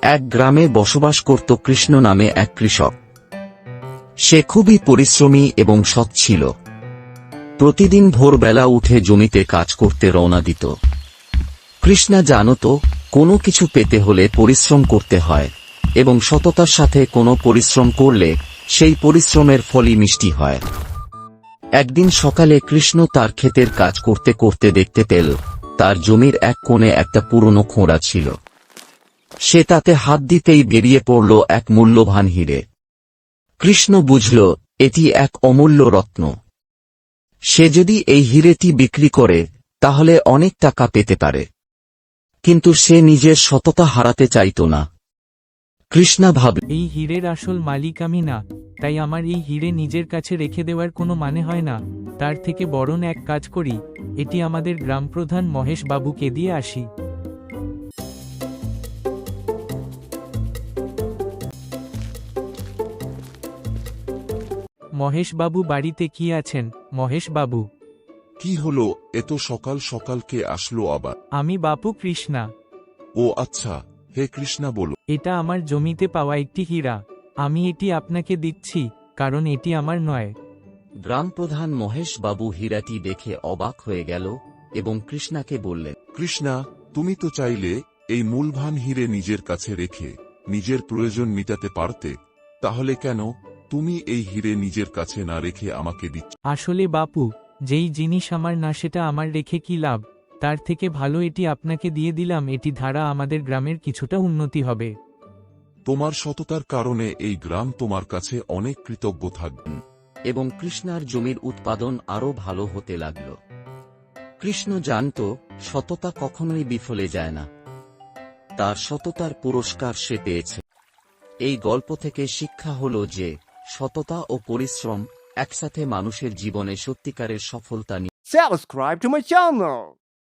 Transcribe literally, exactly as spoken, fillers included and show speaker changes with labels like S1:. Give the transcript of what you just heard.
S1: এক গ্রামে বসবাস করত কৃষ্ণ নামে এক কৃষক। সে খুবই পরিশ্রমী এবং সৎ ছিল। প্রতিদিন ভোরবেলা উঠে জমিতে কাজ করতে রওনা দিত। কৃষ্ণা জানত কোনো কিছু পেতে হলে পরিশ্রম করতে হয়, এবং সততার সাথে কোনো পরিশ্রম করলে সেই পরিশ্রমের ফলই মিষ্টি হয়। একদিন সকালে কৃষ্ণ তার ক্ষেতের কাজ করতে করতে দেখতে পেল তার জমির এক কোণে একটা পুরনো খোঁড়া ছিল। সে তাতে হাত দিতেই বেরিয়ে পড়ল এক মূল্যবান হিরে। কৃষ্ণ বুঝল এটি এক অমূল্য রত্ন। সে যদি এই হিরেটি বিক্রি করে তাহলে অনেক টাকা পেতে পারে, কিন্তু সে নিজের সততা হারাতে চাইত না। কৃষ্ণা ভাবল,
S2: এই হীরের আসল মালিক আমি না, তাই আমার এই হীরে নিজের কাছে রেখে দেওয়ার কোনো মানে হয় না। তার থেকে বরং এক কাজ করি, এটি আমাদের গ্রামপ্রধান মহেশ বাবুকে দিয়ে আসি। মহেশ বাবু বাড়িতে কি আছেন? মহেশ বাবু,
S3: কি হলো এত সকাল সকাল, কে আসলো আবার?
S2: আমি বাপু কৃষ্ণা।
S3: ও আচ্ছা, হে কৃষ্ণা বলো।
S2: এটা আমার জমিতে পাওয়া একটি হীরা। আমি এটি আপনাকে দিচ্ছি, কারণ এটি আমার নয়।
S1: গ্রামপ্রধান মহেশ বাবু হীরাটি দেখে অবাক হয়ে গেল এবং কৃষ্ণাকে বললেন,
S3: কৃষ্ণা, তুমি তো চাইলে এই মূলবান হিরে নিজের কাছে রেখে নিজের প্রয়োজন মিটাতে পারতে, তাহলে কেন তুমি এই হিরে নিজের কাছে না রেখে আমাকে দিচ্ছ?
S2: আসলে বাপু, যেই জিনিস আমার না সেটা আমার রেখে কি লাভ? তার থেকে ভালো এটি আপনাকে দিয়ে দিলাম, এটি ধারা আমাদের গ্রামের কিছুটা উন্নতি হবে।
S3: তোমার সততার কারণে এই গ্রাম তোমার কাছে অনেক কৃতজ্ঞ থাকবে।
S1: এবং কৃষ্ণার জমির উৎপাদন আরও ভালো হতে লাগল। কৃষ্ণ জানত সততা কখনোই বিফলে যায় না। তার সততার পুরস্কার সে পেয়েছে। এই গল্প থেকে শিক্ষা হল যে সততা ও পরিশ্রম একসাথে মানুষের জীবনে সত্যিকারের সফলতা নিয়ে।
S4: Subscribe to my channel.